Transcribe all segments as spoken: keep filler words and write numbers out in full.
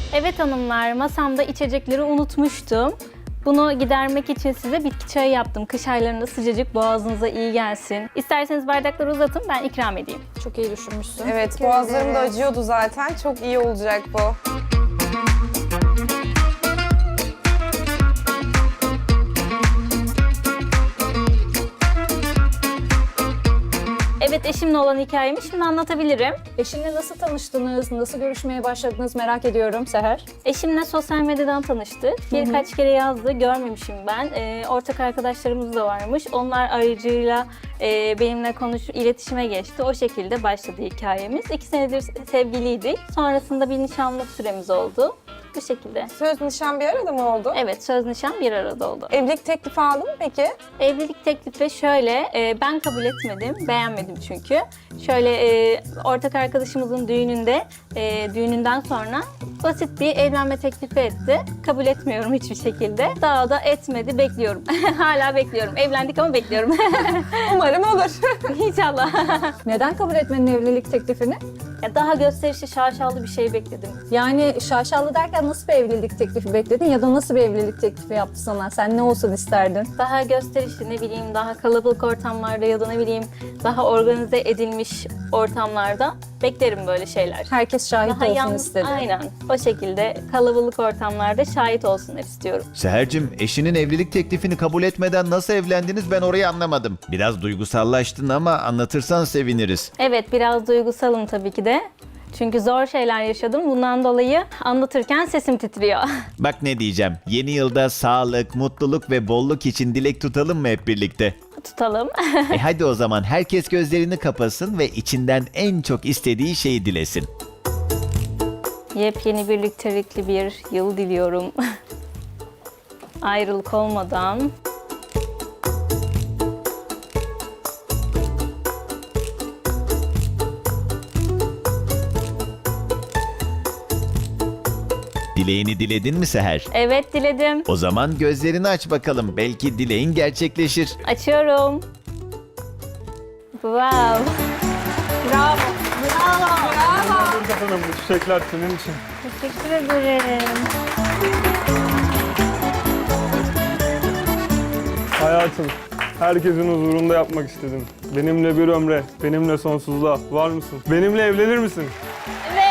Evet hanımlar, masamda içecekleri unutmuştum. Bunu gidermek için size bitki çayı yaptım. Kış aylarında sıcacık, boğazınıza iyi gelsin. İsterseniz bardakları uzatın, ben ikram edeyim. Çok iyi düşünmüşsün. Evet, boğazlarım da acıyordu zaten. Çok iyi olacak bu. Evet, eşimle olan hikayemi şimdi anlatabilirim. Eşinle nasıl tanıştınız, nasıl görüşmeye başladınız merak ediyorum Seher. Eşimle sosyal medyadan tanıştık. Birkaç kere yazdı, görmemişim ben. Ee, ortak arkadaşlarımız da varmış. Onlar aracıyla e, benimle konuş, iletişime geçti. O şekilde başladı hikayemiz. İki senedir sevgiliydik. Sonrasında bir nişanlık süremiz oldu. Bu şekilde. Söz nişan bir arada mı oldu? Evet, söz nişan bir arada oldu. Evlilik teklifi aldın mı peki? Evlilik teklifi şöyle, e, ben kabul etmedim, beğenmedim çünkü. Şöyle e, ortak arkadaşımızın düğününde, e, düğününden sonra basit bir evlenme teklifi etti. Kabul etmiyorum hiçbir şekilde. Daha da etmedi, bekliyorum. Hala bekliyorum. Evlendik ama bekliyorum. Umarım olur. İnşallah. Neden kabul etmedin evlilik teklifini? Ya daha gösterişli, şaşalı bir şey bekledim. Yani şaşalı derken nasıl bir evlilik teklifi bekledin ya da nasıl bir evlilik teklifi yaptı sana? Sen ne olsun isterdin? Daha gösterişli, ne bileyim, daha kalabalık ortamlarda ya da ne bileyim daha organize edilmiş ortamlarda beklerim böyle şeyler. Herkes şahit Daha olsun yalnız, istedi. aynen. O şekilde kalabalık ortamlarda şahit olsunlar istiyorum. Seher'cim, eşinin evlilik teklifini kabul etmeden nasıl evlendiniz ben orayı anlamadım. Biraz duygusallaştın ama anlatırsan seviniriz. Evet, biraz duygusalım tabii ki de. Çünkü zor şeyler yaşadım. Bundan dolayı anlatırken sesim titriyor. Bak ne diyeceğim, yeni yılda sağlık, mutluluk ve bolluk için dilek tutalım mı hep birlikte? Tutalım. E hadi o zaman herkes gözlerini kapasın ve içinden en çok istediği şeyi dilesin. Yepyeni birliktelikli bir yıl diliyorum. Ayrılık olmadan. Dileğini diledin mi Seher? Evet, diledim. O zaman gözlerini aç bakalım, belki dileğin gerçekleşir. Açıyorum. Wow. Bravo. Bravo. Hanım, bu çiçekler senin için. Teşekkür ederim. Hayatım, herkesin huzurunda yapmak istedim. Benimle bir ömre, benimle sonsuzluğa. Var mısın? Benimle evlenir misin? Evet.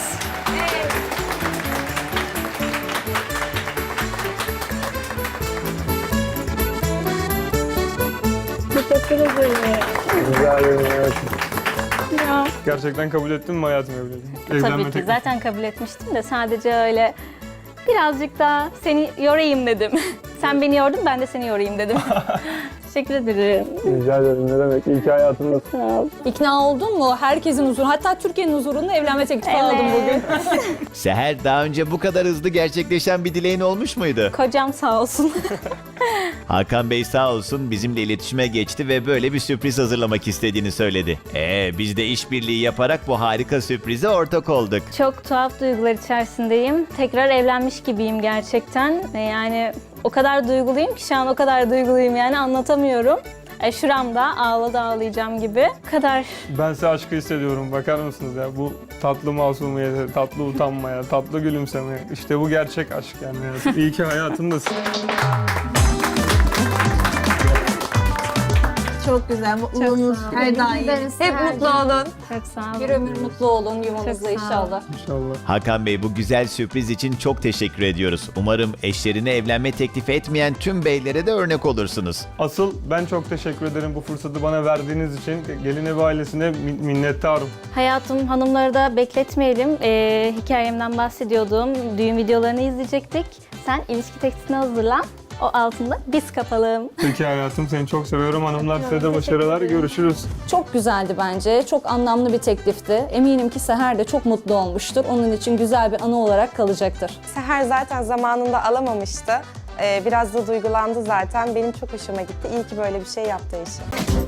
Teşekkür ederim. Rica ederim hayatım. Ya. Gerçekten kabul ettin mi hayatım evliliği? Tabii Evlenme ki teklifi. zaten kabul etmiştim de sadece öyle birazcık daha seni yorayım dedim. Sen beni yordun, ben de seni yorayım dedim. Teşekkür ederim. Rica ederim, ne demek? İyi ki hayatımdasın. Sağ ol. İkna oldun mu? Herkesin huzuru, hatta Türkiye'nin huzurunda evlenme teklifi Evet. aldım bugün. Seher, daha önce bu kadar hızlı gerçekleşen bir dileğin olmuş muydu? Kocam sağ olsun. Hakan Bey sağ olsun bizimle iletişime geçti ve böyle bir sürpriz hazırlamak istediğini söyledi. Ee, biz de işbirliği yaparak bu harika sürprize ortak olduk. Çok tuhaf duygular içerisindeyim. Tekrar evlenmiş gibiyim gerçekten. E, Yani o kadar duyguluyum ki şu an o kadar duyguluyum yani anlatamıyorum. E, şuramda ağladı ağlayacağım gibi. Bu kadar. Ben size aşkı hissediyorum. Bakar mısınız ya? Bu tatlı masumiyete, tatlı utanmaya, tatlı gülümsemeye. İşte bu gerçek aşk yani. hayatım. İyi ki hayatımdasın. Çok güzel, mutluluğunuz her daim. Hep mutlu olun. Çok sağ olun. Bir ömür mutlu olun yuvanızda Çok sağ ol. inşallah. İnşallah. Hakan Bey, bu güzel sürpriz için çok teşekkür ediyoruz. Umarım eşlerine evlenme teklifi etmeyen tüm beylere de örnek olursunuz. Asıl ben çok teşekkür ederim bu fırsatı bana verdiğiniz için. Gelin evi ailesine min- minnettarım. Hayatım, hanımları da bekletmeyelim. E, hikayemden bahsediyordum. Düğün videolarını izleyecektik. Sen ilişki tekstini hazırlan. O altında biz kapalım. Peki hayatım, seni çok seviyorum. Hanımlar, size de Teşekkür başarılar. ederim. Görüşürüz. Çok güzeldi bence. Çok anlamlı bir teklifti. Eminim ki Seher de çok mutlu olmuştur. Onun için güzel bir anı olarak kalacaktır. Seher zaten zamanında alamamıştı. Ee, biraz da duygulandı zaten. Benim çok hoşuma gitti. İyi ki böyle bir şey yaptı eşi.